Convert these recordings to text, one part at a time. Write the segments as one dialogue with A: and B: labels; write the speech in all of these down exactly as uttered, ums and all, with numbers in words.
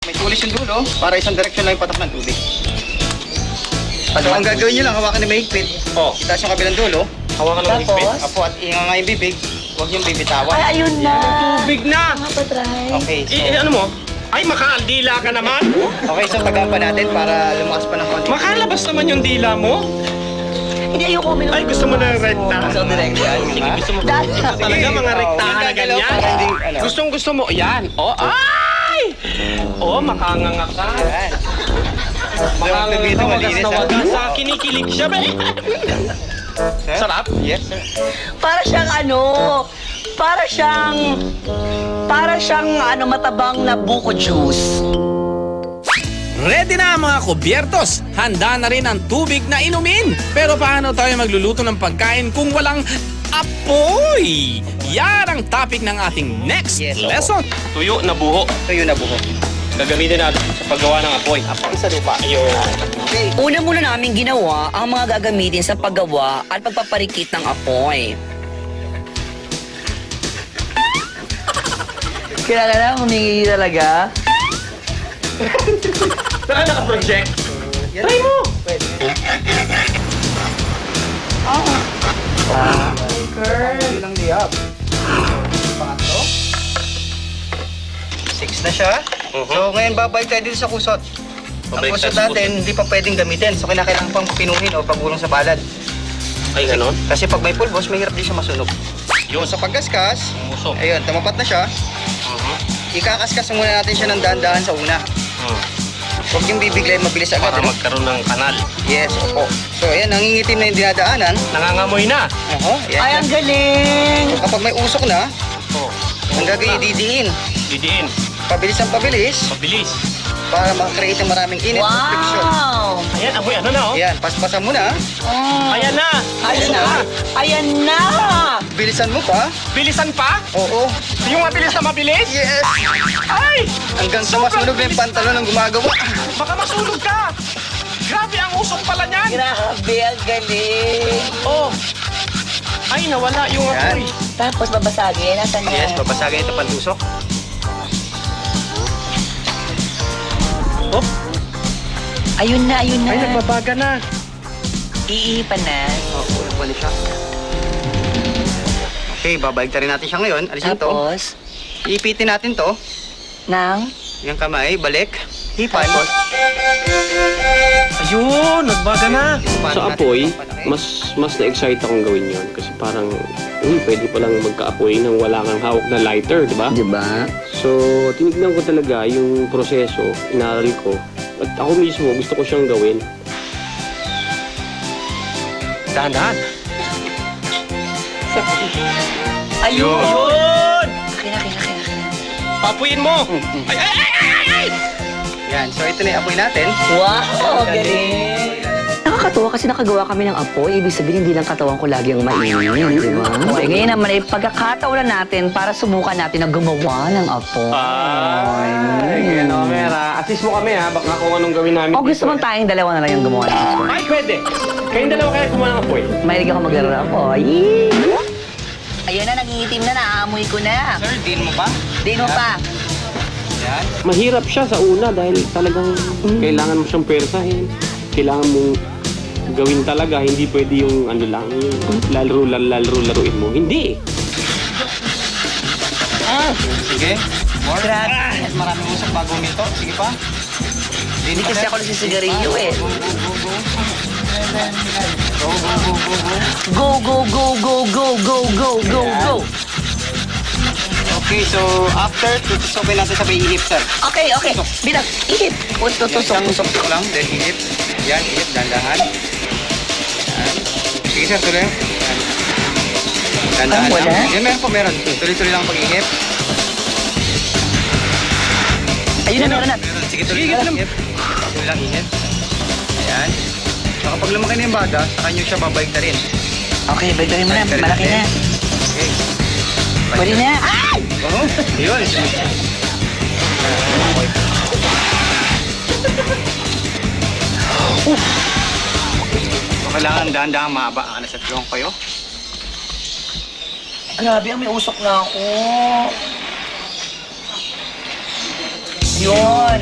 A: May tulis yung dulo para isang direksyon lang yung patak ng tubig. So ang gagawin nyo lang, hawakan na mahigpit.
B: Oh.
A: Itaas yung kabilang dulo.
B: Hawakan ng higpit.
C: Tapos?
A: Apo at inga nga yung bibig. Huwag yung bibitawan.
C: Ay, ayun na.
B: Tubig na!
C: Mga patray.
A: Okay, so...
B: Eh, ano mo? Ay, makaaldila ka naman!
A: Okay, so tagaan pa natin para lumakas pa ng konti.
B: Makalabas naman yung dila mo?
C: Hindi, ayoko minum.
B: Ay, gusto mo ng rekta?
A: So, direksyon.
B: Sige, gusto mo.
C: Dahil-
B: Gusto talaga mga rektahan na ganyan?
A: Para hindi, ano.
B: Gustong gusto mo. Yan. Oh, ay! Oh, makanganga ka.
A: Yan.
B: Makanganga
A: Dito,
B: ka, wagas
A: malinis,
B: na
A: ah.
B: wagas. Sa kinikilig siya, ba?
A: Sir?
B: Sarap?
A: Yes, sir.
C: Para siyang ano, para siyang, para siyang ano, matabang na buko juice.
D: Ready na ang mga kubyertos! Handa na rin ang tubig na inumin! Pero paano tayo magluluto ng pagkain kung walang apoy? Yan ang topic ng ating next
A: Yes,
D: lesson!
B: Tuyo na buho.
A: Ito yun na buhok.
B: Gagamitin natin sa paggawa ng apoy.
A: Apoy sa lupa.
B: Ayun.
A: Okay.
C: Una muna namin ginawa ang mga gagamitin sa paggawa at pagpaparikit ng apoy. Kailangan na humingi talaga.
B: Saan naka-project?
A: Yan.
B: Try mo!
A: Yun ang liyab. Pangatlo. Six na siya.
B: Mhm.
A: So ngayon babalik tayo dito sa kusot. Ang
B: Babalik
A: kusot
B: tayo sa
A: natin, hindi pa pwedeng gamitin. So kinakailangan pang pinuhin o pagulong sa balad.
B: Ay, ganon?
A: Kasi pag may pulbos, mahirap din siya masunog.
B: Yun.
A: So sa pagkaskas,
B: Musok.
A: ayun, tumapat na siya.
B: Mhm.
A: Ikakaskas muna natin siya ng dahan-dahan sa una.
B: Hmm.
A: Huwag yung bibiglayin mabilis agad.
B: Para
A: ano?
B: magkaroon ng kanal.
A: Yes, opo. So ayan, nangingitim na yung dinadaanan.
B: Nangangamoy na.
A: Oo,
C: Ay,
A: ayan.
C: ang galing!
A: So, kapag may usok na,
B: Oh.
A: ang gagawin, didiin.
B: Didiin.
A: Pabilis ang pabilis
B: Mabilis.
A: para makakreate ng maraming init at friction.
C: Wow!
B: Ayan, amoy ano na oh.
A: Ayan, paspasan mo na.
C: Oh.
B: Ayan na.
C: Ayan
B: Usok
C: na! Ayan na!
A: Bilisan mo pa.
B: Bilisan pa?
A: Oo.
B: Yung mabilis na mabilis?
A: Yes!
B: Ay!
A: Hanggang sa masunog na yung pantalon ng gumagawa.
B: Baka masunog ka! Grabe ang usok pala niyan!
C: Grabe, ang galing!
B: Oh! Ay, nawala yung
A: Yan.
B: apoy.
C: Tapos babasagin, nasan niya?
A: Yes, babasagin ito pantusok.
B: Oh!
C: Ayun na, ayun na.
B: Ay, nagbabaga na.
C: Iipan na.
A: Oo, oh, balik siya. Okay, babalik rin natin siya ngayon. Alisin to.
C: Tapos,
A: Iipitin natin to.
C: nang,
A: Yung kamay, balik. Hipan.
B: Ayun, nagbaga na.
A: Paano
E: Sa
A: natin
E: apoy,
A: papalaki?
E: mas mas na-excite akong gawin yon kasi parang, uy, pwede palang magka-apoy nang wala kang hawak na lighter, di ba?
C: di ba?
E: So, tinignan ko talaga yung proseso, inaral ko, at ako mismo gusto ko siyang gawin.
B: Dahan-dahan.
C: Ayun!
B: Ayun!
C: Akin, akin, akin, akin.
B: Papuyin mo! Ay, ay, ay, ay, ay!
A: Yan, so ito na yung apoy natin.
C: Wow, galing! Nakakatuwa kasi nakagawa kami ng apoy. Ibig sabihin, hindi lang katawan ko lagi ang mainit, di ba? Okay, ngayon naman ay pagkakataon na natin para subukan natin na gumawa ng apoy.
E: Ay, ano, Mera. Assist mo kami ha, baka kung anong gawin namin.
C: O gusto mong tayong dalawa na lang yung gumawa ng apoy?
E: Ay, pwede! Kayong dalawa kaya gumawa ng apoy.
C: Mahilig ako maglaro ng apoy. Ayan na, nangingitim na, naaamoy ko na.
A: Sir, din mo pa?
C: Di mo pa.
A: Yan.
E: Mahirap siya sa una dahil talagang kailangan mo siyang persahin. Kailangan mong gawin talaga, hindi pwede yung ano lang, yung lalaro, lalaro, laruin mo. Hindi!
A: Sige. More.
C: Grabe.
A: Mas maraming usok bago nito. Sige pa.
C: Hindi kasi ako nagsisigarilyo eh.
A: Go, go, go, go, go.
C: Go, go, go, go, go, go, go, go, go.
A: Okay, so after, tutusokin natin sa may ihip, sir.
C: Okay, okay. Bilang, ihip. Punto,
A: Yan,
C: tusok,
A: isang
C: tusok.
A: tusok lang, then ihip. Yan, ihip, dandahan. Yan. Sige, sir, tuloy. Yan. Dandahan
C: Ah, wala?
A: lang. Yan, meron po, meron. Tuloy-tuloy lang pag-ihip.
C: Ayun na, meron na.
A: Meron. Sige, tuloy lang. Ihip. Tuloy lang, ihip. Ayan. So, kapag lumaki na yung baga, saka nyo siya babalik na rin.
C: Okay, balik mo na.
A: Balik
C: Malaki na.
A: Okay.
C: Pwede na. Ay!
A: Oo, yun. So, kailangan dahan-dahan mahaba ang alas at yung kayo.
C: Grabe, may usok na ako. Yun.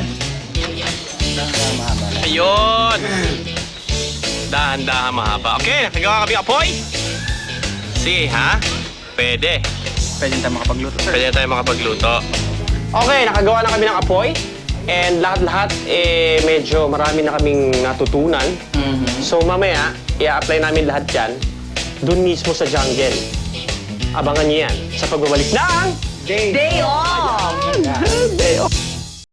B: Ayun. Dahan-dahan mahaba. Okay, nakagawa kami apoy. Sige, ha? Pwede.
A: Pwede tayo makapagluto, sir.
B: Pwede na tayo makapagluto. Okay, nakagawa na kami ng apoy. And lahat-lahat, eh, medyo marami na kaming natutunan. So mamaya, i-apply namin lahat yan dun mismo sa jungle. Abangan niyo yan sa pagbabalik ng
C: Day off!
B: Day off.